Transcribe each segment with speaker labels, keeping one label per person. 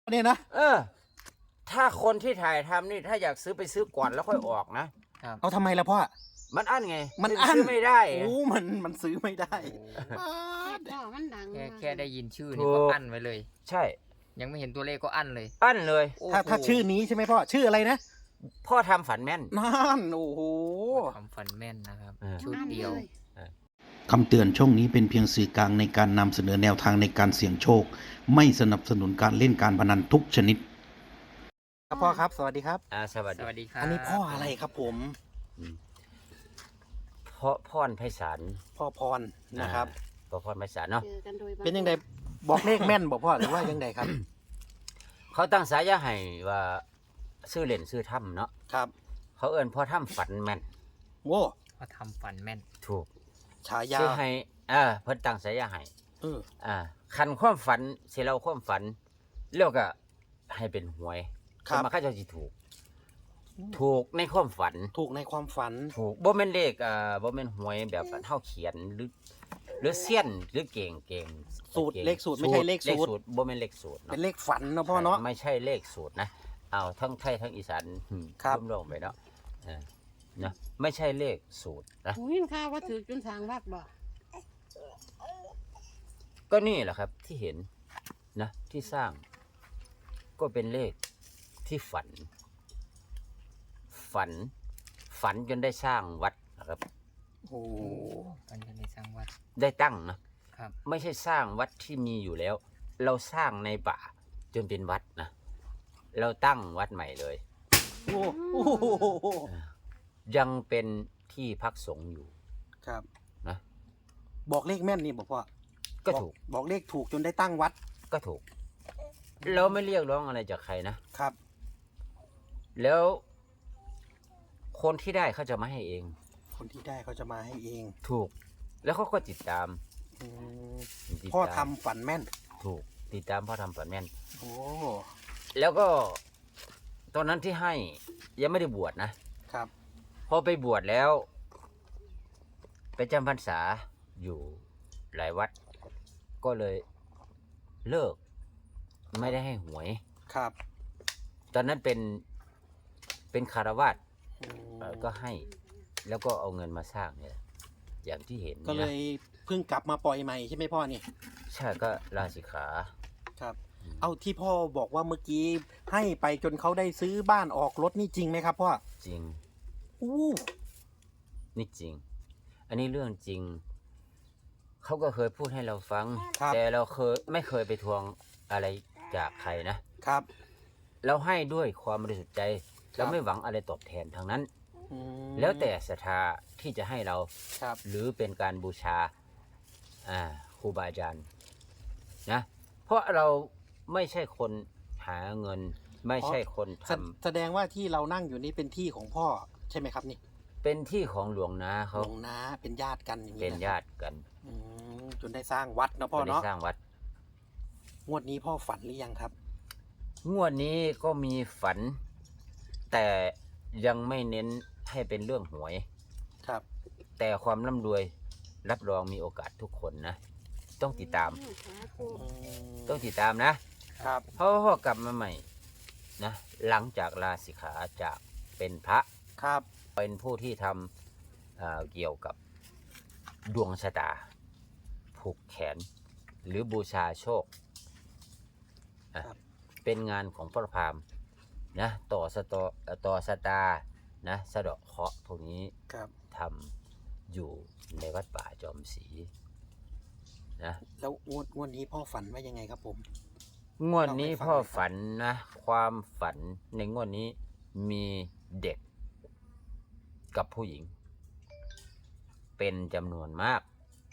Speaker 1: เนี่ยนะ
Speaker 2: ถ้าคนที่ถ่ายทำนี่ถ้าอยากซื้อไปซื้อก่อนแล้วค่อยออกนะ
Speaker 1: เอาทำไมล่ะพ่อ
Speaker 2: มันอั้นไง
Speaker 1: มันอั้น
Speaker 2: ซื้อไม่ได้
Speaker 1: โอ้มันซื้อไม่ได้
Speaker 3: มันดัง
Speaker 4: แค่ได้ยินชื่อนี่ก็อั้นไว้เลย
Speaker 2: ใช่
Speaker 4: ยังไม่เห็นตัวเลขก็อั้นเลย
Speaker 2: อั้นเลย
Speaker 1: ถ้าชื่อนี้ใช่ไหมพ่อชื่ออะไรนะ
Speaker 2: พ่อทำฝันแม่น
Speaker 1: นั่นโอ้โห
Speaker 4: ทำฝันแม่นนะครับชุดเดียว
Speaker 5: คำเตือนช่องนี้เป็นเพียงสื่อกลางในการนำเสนอแนวทางในการเสี่ยงโชคไม่สนับสนุนการเล่นการพนันทุกชนิด
Speaker 1: ครับพ่อครับสวัสดีครับ
Speaker 2: สวัสดี
Speaker 4: ครับ
Speaker 1: อันนี้พ่ออะไรครับผม
Speaker 2: พ่อพรไพศาล
Speaker 1: พ่อพรนะครับ
Speaker 2: พ่อพรไพศาลเนาะ
Speaker 1: เป็นยังไงบอกเลขแม่นบอกพ่อหรือว่ายังไงครับ
Speaker 2: เขาตั้งสายาให้ว่าชื่อเล่นชื่อถ้ำเนาะ
Speaker 1: ครับ
Speaker 2: เขาเอิ้นพ่อถ้ำฝันแม่น
Speaker 1: โว้
Speaker 4: พ่อทำฝันแม่น
Speaker 2: ถูก
Speaker 1: ฉายา
Speaker 2: ชื่อให้เพิ่นตั้งสายาให้คันความฝันสิเราความฝันแล้วก็ให้เป็นหวยมาเขาเจ้าสิถูกในความฝัน
Speaker 1: ถูกในความฝัน
Speaker 2: ถูกบ่แม่นเลขบ่แม่นหวยแบบเฮาเขียนหรือเสี้ยนหรือเก่ง
Speaker 1: สูตรเลขสูตรไม่ใช่เลขสูตร
Speaker 2: บ่แม่นเลขสูตร
Speaker 1: เป็นเลขฝันเนาะพ่อเนาะ
Speaker 2: ไม่ใช่เลขสูตรนะเอาทั้งไทยทั้งอีสานรวมๆไปเนาะนะไม่ใช่เลขสูตรนะ
Speaker 3: หูยินข่าวว่าถือจนสร้างวัดบ่
Speaker 2: ก็นี่แหละครับที่เห็นนะที่สร้างก็เป็นเลขที่ฝันจนได้สร้างวัดนะครับ
Speaker 1: โอ้
Speaker 4: ฝันจนได้สร้างวัด
Speaker 2: ได้ตั้งนะครับไม่ใช่สร้างวัดที่มีอยู่แล้วเราสร้างในป่าจนเป็นวัดนะเราตั้งวัดใหม่เลย
Speaker 1: โอ้
Speaker 2: ยังเป็นที่พักสงฆ์อยู่
Speaker 1: ครับ
Speaker 2: นะ
Speaker 1: บอกเลขแม่นนี่บอกพ่อ
Speaker 2: ก็ถูก
Speaker 1: บอกเลขถูกจนได้ตั้งวัด
Speaker 2: ก็ถูกเราไม่เรียกร้องอะไรจากใครนะครับ แล้วคนที่ได้เขาจะมาให้เอง
Speaker 1: คนที่ได้เขาจะมาให้เอง
Speaker 2: ถูกแล้วเขาก็ติดตาม
Speaker 1: พ่อทำฝันแม่น
Speaker 2: ถูกติดตามพ่อทำฝันแม่น
Speaker 1: โอ้
Speaker 2: แล้วก็ตอนนั้นที่ให้ยังไม่ได้บวชนะครับพอไปบวชแล้วไปจำพรรษาอยู่หลายวัดก็เลยเลิกไม่ได้ให้หวย
Speaker 1: ครับ
Speaker 2: ตอนนั้นเป็นคารวาสก็ให้แล้วก็เอาเงินมาสร้างเนี่ยอย่างที่เห็น
Speaker 1: ก็เลยเพิ่งกลับมาปล่อยใหม่ใช่ไหมพ่อนี่
Speaker 2: ใช่ก็ลาสิกขา
Speaker 1: ครับเอาที่พ่อบอกว่าเมื่อกี้ให้ไปจนเขาได้ซื้อบ้านออกรถนี่จริงไหมครับพ่อ
Speaker 2: จริงนี่จริงอันนี้เรื่องจริงเขาก็เคยพูดให้เราฟังแต่เราไม่เคยไปทวงอะไรจากใครนะครับเราให้ด้วยความบริสุทธิ์ใจเราไม่หวังอะไรตอบแทนทางนั้นแล้วแต่ศรัทธาที่จะให้เราหรือเป็นการบูชาครูบาอาจารย์นะเพราะเราไม่ใช่คนหาเงินไม่ใช่คนท
Speaker 1: ำแสดงว่าที่เรานั่งอยู่นี่เป็นที่ของพ่อใช่ไหมครับนี่
Speaker 2: เป็นที่ของหลวงนาเขา
Speaker 1: หลวงนาเป็นญาติกันอย่างนี้
Speaker 2: เป็นญาติกัน
Speaker 1: จนได้สร้างวัดนะพ่อเนาะ
Speaker 2: สร้างวัด
Speaker 1: งวดนี้พ่อฝันหรือยังครับ
Speaker 2: งวดนี้ก็มีฝันแต่ยังไม่เน้นให้เป็นเรื่องหวย
Speaker 1: ครับ
Speaker 2: แต่ความร่ำรวยรับรองมีโอกาสทุกคนนะต้องติดตามนะครับเพราะพ่อกลับมาใหม่นะหลังจากลาสิกขาจากเป็นพระ
Speaker 1: ครับ
Speaker 2: เป็นผู้ที่ทำเกี่ยวกับดวงชะตาผูกแขนหรือบูชาโชคเป็นงานของพระพราหมณ์นะต่อสตานะสะเดาะเคราะห์พวกนี้ทำอยู่ในวัดป่าจอมศรีนะ
Speaker 1: แล้วงวดนี้พ่อฝันว่ายังไงครับผม
Speaker 2: งวดนี้พ่อฝันนะความฝันในงวดนี้มีเด็กกับผู้หญิงเป็นจำนวนมาก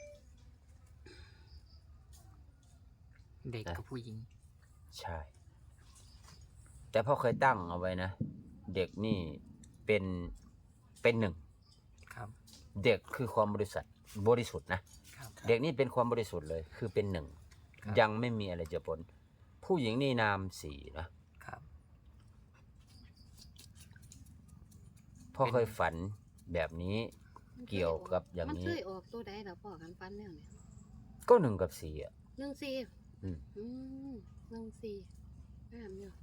Speaker 4: เด็กกับผู้หญิง
Speaker 2: ใช่แต่พ่อเคยตั้งเอาไว้นะเด็กนี่เป็นหนึ่งเด็กคือความบริสุทธิ์นะเด็กนี่เป็นความบริสุทธิ์เลยคือเป็นหนึ่งยังไม่มีอะไรจะปนผู้หญิงนี่นามสี่นะพ่อเคยฝันแบบนี้เกี่ยวกับอย่างนี้
Speaker 3: มันเคยออกตัวใดเหรอพ่อกันฝันเนี่ย
Speaker 2: ก็1 กับ 4
Speaker 3: 1 4 1 4 งามอยู่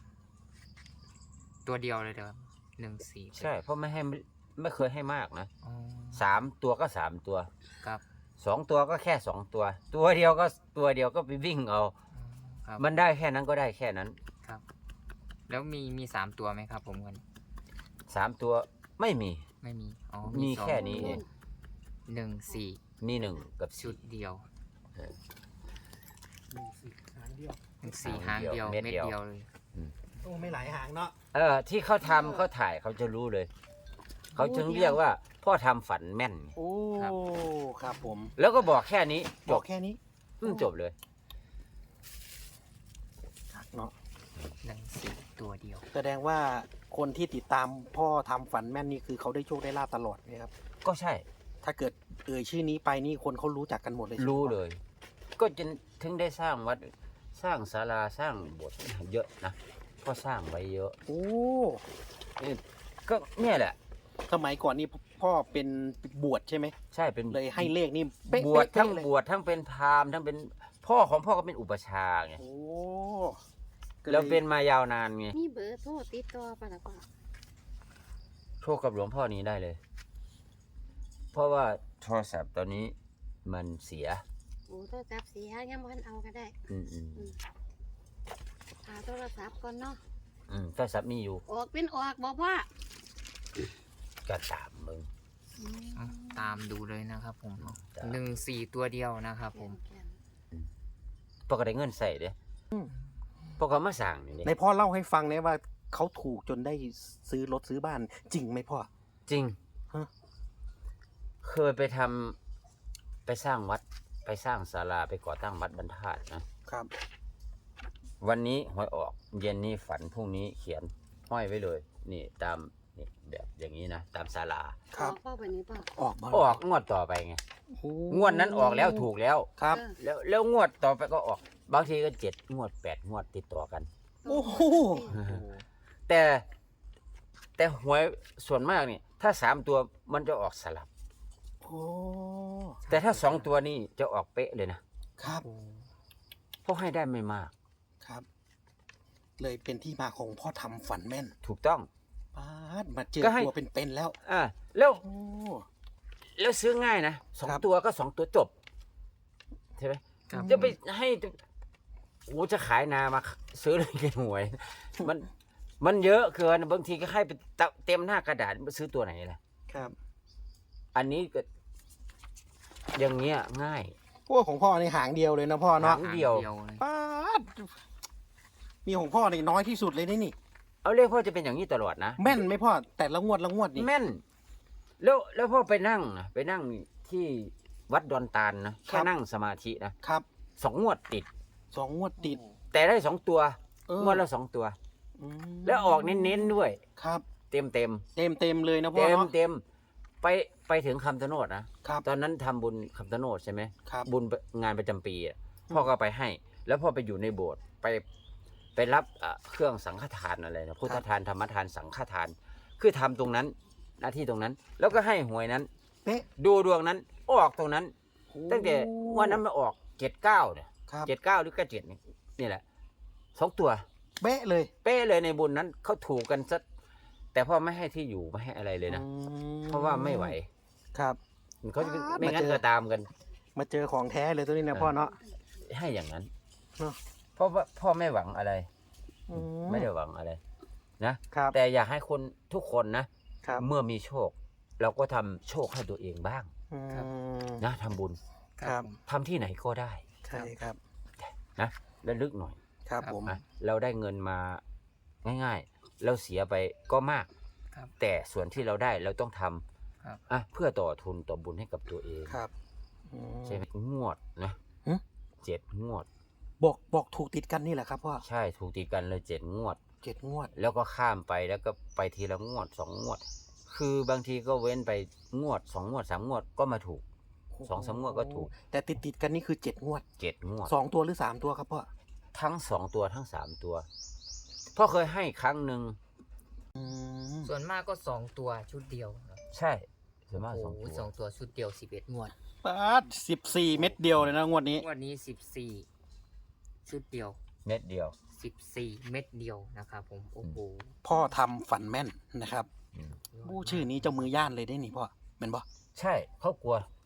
Speaker 4: ตัวเดียวเลยเด้อ14
Speaker 2: ใช่ เพราะไม่เคยให้มากนะ
Speaker 4: อ๋อ
Speaker 2: 3 ตัวก็ 3 ตัว
Speaker 4: ครับ
Speaker 2: 2 ตัวก็แค่ 2 ตัว ตัวเดียวก็ไปวิ่งเอา
Speaker 4: ครับ
Speaker 2: มันได้แค่นั้นก็ได้แค่นั้น
Speaker 4: ครับ แล้วมี3ตัวไหมครับผมกัน
Speaker 2: 3 ตัวไม่มี
Speaker 4: ไม่มีอ๋อ
Speaker 2: มี
Speaker 4: สอง
Speaker 2: แค่นี้เอง
Speaker 4: 14
Speaker 2: มี1 กับ
Speaker 4: ชุดเดียว
Speaker 2: เออ
Speaker 1: หางเดียว
Speaker 4: 4 หางเดียว
Speaker 2: เม็ด
Speaker 4: เม็ด
Speaker 2: เดียว
Speaker 4: เดียวเลย
Speaker 1: โอ้ไม่หลายหางเนาะ
Speaker 2: ที่เขาทำเขาถ่ายเขาจะรู้เลย เขาจึงเรียกว่าพ่อทำฝันแม่น
Speaker 1: โอ้ครับผม
Speaker 2: แล้วก็บอกแค่นี้จ
Speaker 1: บอบ กแค่นี้
Speaker 2: จบเลย
Speaker 1: เนาะ
Speaker 4: 14 ตัวเดียว
Speaker 1: แสดงว่าคนที่ติดตามพ่อทำฝันแม่นนี่คือเขาได้โชคได้ลาบตลอดไหมครับ
Speaker 2: ก็ใช่
Speaker 1: ถ้าเกิดชื่อนี้ไปนี่คนเขารู้จักกันหมดเลยใช่ไหม
Speaker 2: รู้เลย ก็จนถึงได้สร้างวัดสร้างศาลาสร้างโบสถ์เยอะนะก็สร้างไว้เยอะ
Speaker 1: โอ้
Speaker 2: ก็เนี่ยแหละ
Speaker 1: สมัยก่อนนี่พ่อเป็นบวชใช่ไหม
Speaker 2: ใช่เป็น
Speaker 1: เลยให้เลขนี่เป๊ะ
Speaker 2: บวชทั้ง
Speaker 1: เป๊ะเลย
Speaker 2: บวชทั้งเป็นพราหมณ์ทั้งเป็นพ่อของพ่อก็เป็นอุปชฌาย์ไง
Speaker 1: โอ้ก็ย
Speaker 2: แล้วเป็นมายาวนานไง
Speaker 3: มีเบอร์โทรติดต่อป่ะล่ะพ่อ
Speaker 2: โชคกับหลวงพ่อนี้ได้เลย เพราะว่าโทรศัพท์ตอนนี้มันเสีย
Speaker 3: โอ้โทรศัพท์เสียยังบ่ทันเอาก็ได้
Speaker 2: อืม
Speaker 3: หาโทรศัพท์ก่อนเนาะ
Speaker 2: โทรศัพท์มีอยู่
Speaker 3: ออกเป็นออกบ่พ่อ
Speaker 2: ก็ตามมึง
Speaker 3: อืม
Speaker 4: เอาตามดูเลยนะครับผม
Speaker 2: จ้ะ
Speaker 4: 14 ตัวเดียวนะครับผม
Speaker 3: แก่น
Speaker 2: พ่อก็ได้เงินใส่เด้พ่อก็มาสั่งนี่
Speaker 1: ในพ่อเล่าให้ฟังเนี่ยว่าเขาถูกจนได้ซื้อรถซื้อบ้านจริงไหมพ่อ
Speaker 2: จริง
Speaker 1: ฮะ
Speaker 2: เคยไปสร้างวัดไปสร้างศาลาไปก่อตั้งวัดบรรทัดนะ
Speaker 1: ครับ
Speaker 2: วันนี้หวยออกเย็นนี้ฝันพรุ่งนี้เขียนห้อยไว้เลย นี่ตามนี่แบบอย่างนี้นะตามศาลา
Speaker 1: ครับ
Speaker 3: ออกพ่อวันนี้พ่อ
Speaker 1: ออกมา
Speaker 2: ออกงวดต่อไปไง
Speaker 1: โอ้
Speaker 2: งวดนั้นออกแล้วถูกแล้ว
Speaker 1: ครับ
Speaker 3: เออ
Speaker 2: แล้วงวดต่อไปก็ออก บางทีก็7 งวด 8 งวดติดต่อกัน
Speaker 1: โอ้โห
Speaker 2: แต่หวยส่วนมากนี่ถ้า3 ตัวมันจะออกสลับ
Speaker 1: โอ้
Speaker 2: แต่ถ้า2 ตัวนี่จะออกเป๊ะเลยนะครับ เพราะให้ได้ไม่มาก
Speaker 1: ครับ เลยเป็นที่มาของพ่อทำฝันแม่น
Speaker 2: ถูกต้อง
Speaker 1: ป้าดมาเจอ
Speaker 2: ก็ให้
Speaker 1: ตัวเป็นๆแล้ว
Speaker 2: แล้ว
Speaker 1: โอ้
Speaker 2: แล้วซื้อง่ายนะสอง
Speaker 1: ครับ
Speaker 2: ตัวก็2 ตัวจบใช่ไหม
Speaker 4: ครับ
Speaker 2: จะไปให้โอ้จะขายนามาซื้อเลยกินหวย มันเยอะเกินบางทีก็ให้ไปเต็มหน้ากระดาษซื้อตัวไหนล่ะ
Speaker 1: ครับ
Speaker 2: อันนี้ก็อย่างเงี้ยง่าย
Speaker 1: พวกของพ่อในหางเดียวเลยนะพ่อเนาะ
Speaker 2: หาง เดียว
Speaker 4: เลย
Speaker 1: ป้าดมีของพ่อนี่น้อยที่สุดเลยนี่
Speaker 2: เอาเรียกพ่อจะเป็นอย่างนี้ตลอดนะ
Speaker 1: แม่นไหมพ่อแต่ละงวดนี่
Speaker 2: แม่น แล้วพ่อไปนั่งที่วัดดอนตาลนะแค่นั่งสมาธินะครับ 2 งวดติด
Speaker 1: 2 งวดติด
Speaker 2: แต่ได้2 ตัว
Speaker 1: เออง
Speaker 2: วดละ2 ตัว
Speaker 1: อืม
Speaker 2: แล้วออกเน้นๆด้วย
Speaker 1: ครับ
Speaker 2: เต็ม
Speaker 1: เต็มเลยนะพ่อเนาะ
Speaker 2: เต็มไปถึงคำชะโนดนะครับ ตอนนั้นทำบุญคำชะโนดใช่ไหม
Speaker 1: ครับ
Speaker 2: บุญงานประจำปีอะพ่อก็ไปให้ แล้วพ่อไปอยู่ในโบสถ์ไปรับเครื่องสังฆทานอะไรนะพุทธทานธรรมทานสังฆทาน คือทำตรงนั้นหน้าที่ตรงนั้น แล้วก็ให้หวยนั้น
Speaker 1: เป๊ะ
Speaker 2: ดูดวงนั้นออกตรงนั้น ตั้งแต่วันนั้นมาออก79เนี่ย
Speaker 1: ครับ
Speaker 2: 79หรือ97นี่แหละ2 ตัว
Speaker 1: เป๊ะเลย
Speaker 2: เป๊ะเลยในบุญนั้นเขาถูกกันซะแต่พ่อไม่ให้ที่อยู่ไม่ให้อะไรเลยนะ
Speaker 1: อืม
Speaker 2: เพราะว่าไม่ไหว
Speaker 1: ครับ
Speaker 2: เขาจะ
Speaker 1: อ่า
Speaker 2: ไม่งั้น
Speaker 1: มาเจอ
Speaker 2: ก็ตามกัน
Speaker 1: มาเจอของแท้เลยตัวนี้นะพ่อเนาะ
Speaker 2: ให้อย่างนั้น
Speaker 1: เนอะ
Speaker 2: เพราะว่าพ่อไม่หวังอะไร
Speaker 1: อื
Speaker 2: ไม่ได้หวังอะไรนะครับ แต่อยากให้คนทุกคนนะครับ เมื่อมีโชค เราก็ทำโชคให้ตัวเองบ้าง
Speaker 1: อืม
Speaker 2: นะทำบุญ
Speaker 1: ครับ
Speaker 2: ทำที่ไหนก็ได้
Speaker 1: ใช่ครับ
Speaker 2: นะระลึกหน่อย
Speaker 1: ครับผม
Speaker 2: นะเราได้เงินมาง่ายๆ เราเสียไปก็มาก
Speaker 4: ครับ
Speaker 2: แต่ส่วนที่เราได้เราต้องท
Speaker 4: ครับ
Speaker 2: ำเพื่อต่อทุนต่อบุญให้กับตัวเอง
Speaker 1: ครับอืม
Speaker 2: ใช่ไหมงวดนะ
Speaker 1: หึ
Speaker 2: 7 งวด
Speaker 1: บอกถูกติดกันนี่แหละครับพ่อ
Speaker 2: ใช่ถูกตีกันเลย7 งวด
Speaker 1: 7 งวด
Speaker 2: แล้วก็ข้ามไปแล้วก็ไปทีละงวด2 งวด คือบางทีก็เว้นไปงวด2 งวด3 งวดก็มาถูก 2-3 งวดก็ถูก
Speaker 1: แต่ติดกันนี่คือ7 งวด
Speaker 2: 7 งวด
Speaker 1: 2 ตัวหรือ 3 ตัวครับพ่อ
Speaker 2: ทั้ง2 ตัวทั้ง3 ตัวพ่อเคยให้ครั้งหนึ่ง
Speaker 1: อืม
Speaker 4: ส่วนมากก็2 ตัวชุดเดียวครับ
Speaker 2: ใช่ส่วนมาก
Speaker 4: โอ้
Speaker 2: 2
Speaker 4: โห
Speaker 2: ตัว
Speaker 4: 2 ตัวชุดเดียว11 งวด
Speaker 1: ป้าด14 เม็ดเดียวเลยนะงวดนี้
Speaker 4: งวดนี้14 ชุดเดียว
Speaker 2: เม็ดเดียว
Speaker 4: 14 เม็ดเดียวนะครับผมโอ้โห
Speaker 1: พ่อทำฝันแม่นนะครับ
Speaker 2: อืม
Speaker 1: ผู้ชื่อนี้เจ้ามือย่านเลยได้นี่พ่อเป็นบ่
Speaker 2: ใช่เขากลัว